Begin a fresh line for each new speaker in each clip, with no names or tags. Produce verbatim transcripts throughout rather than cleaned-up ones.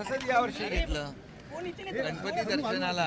तसंच यावर्षी घेतलं. गणपती दर्शनाला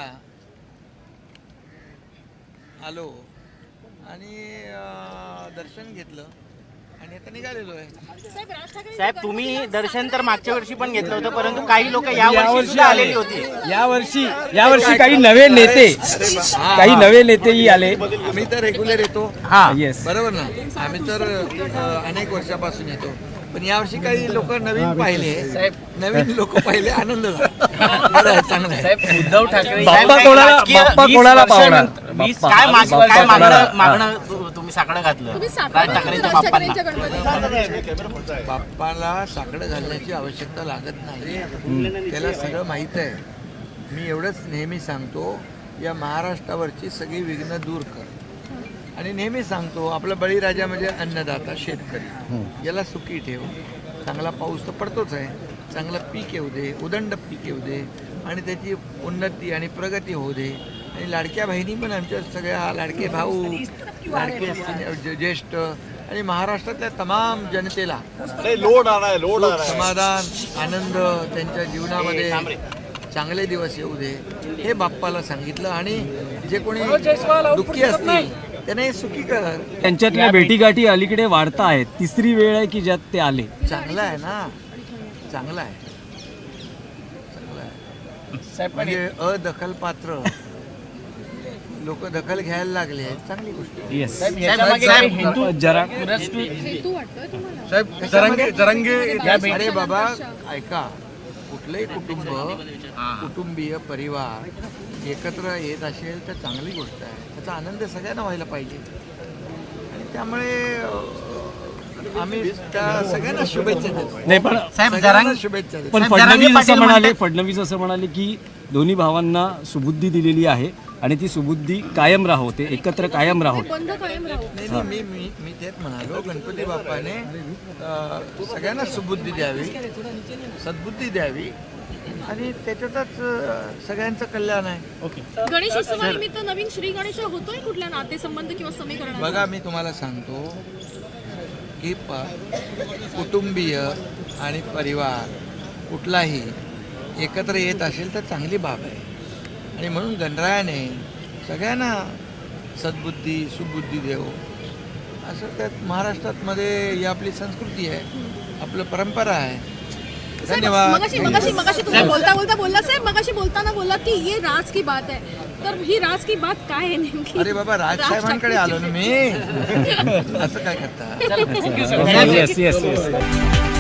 आलो आणि दर्शन घेतलं आणि आता निघालेलो आहे.
साहेब तुम्ही दर्शन तर मागच्या वर्षी पण घेतलं होतं, परंतु काही लोक या वर्षी सुद्धा आलेली होती.
या वर्षी या वर्षी काही नवे नेते काही नवे नेतेही आले.
आम्ही तर रेग्युलर येतो.
हा येस
बरोबर ना. आम्ही तर अनेक वर्षापासून येतो, पण यावर्षी काही लोक नवीन पाहिले. नवीन लोक पाहिले, आनंद झाला. बरं आहे, चांगलं आहे.
उद्धव ठाकरे
बाप्पा कोणाला बाप्पा कोणाला पावणार?
काय मागणं तुम्ही साकडं घातलं राज ठाकरेंच्या बाप्पांना?
बाप्पाला साकडं घालण्याची आवश्यकता लागत नाही, त्याला सगळं माहीत आहे. मी एवढंच नेहमी सांगतो, या महाराष्ट्रावरची सगळी विघ्न दूर कर. आणि नेहमी सांगतो, आपला बळीराजा म्हणजे अन्नदाता शेतकरी, याला सुखी ठेव. चांगला पाऊस तर पडतोच आहे, चांगलं पीक येऊ दे, उदंड पीक येऊ दे आणि त्याची उन्नती आणि प्रगती होऊ दे. आणि लाडक्या बहिणी पण आमच्या सगळ्या, लाडके भाऊ, लाडके ज्येष्ठ आणि महाराष्ट्रातल्या तमाम जनतेला
लोड आलाय लोड
सुख, समाधान, आनंद त्यांच्या जीवनामध्ये चांगले दिवस येऊ दे, हे बाप्पाला सांगितलं. आणि जे कोणी दुःखी असतील त्याने सुखी कर.
त्यांच्यातल्या भेटीगाठी अलीकडे वाढता आहेत. तिसरी वेळ आहे की ज्यात ते आले.
चांगलं आहे ना, चांगलं आहे, चांगलं आहे. म्हणजे अदखल पात्र लोक दखल घ्यायला लागले, चांगली गोष्ट आहे.
येस
जरा
जरंगे जरंगे अरे बाबा ऐका, कुठलंही कुटुंब, कुटुंबीय परिवार एकत्र येत असेल तर चांगली गोष्ट आहे. त्याचा आनंद सगळ्यांना व्हायला पाहिजे. आणि त्यामुळे आम्ही त्या सगळ्यांना शुभेच्छा देतो.
नाही पण
सगळ्यांना शुभेच्छा देतो.
पण फडणवीस असं म्हणाले फडणवीस असं म्हणाले की दोन्ही भावांना सुबुद्धी दिलेली आहे आणि ती सुबुद्धी कायम राहो, ते एकत्र कायम राहो.
नाही नाही, मी मी मी तेच म्हणालो, गणपती बाप्पाने अं, सगळ्यांना सुबुद्धी द्यावी, सद्बुद्धी द्यावी आणि त्याच्यातच अं, सगळ्यांचं कल्याण आहे.
गणेश उत्सवानिमित्त नवीन श्री गणेश होतोय कुठल्या नातेसंबंध किंवा समीकरण?
बघा, मी तुम्हाला सांगतो की प कुटुंबीय आणि परिवार कुठलाही एकत्र येत असेल तर चांगली बाब आहे. आणि म्हणून गणरायाने सगळ्यांना सद्बुद्धी सुबुद्धी देव असं त्यात महाराष्ट्रामध्ये ही आपली संस्कृती आहे, आपलं परंपरा आहे. धन्यवाद.
मगाशी मगाशी मगाशी तुम्ही बोलता बोलता बोलला साहेब, मगाशी बोलताना बोलला की ये राज की बात है, तर ही राज की बात काय आहे नेमकी?
अरे बाबा, राजसाहेबांकडे आलो ना मी. असं काय करता?
Yes yes yes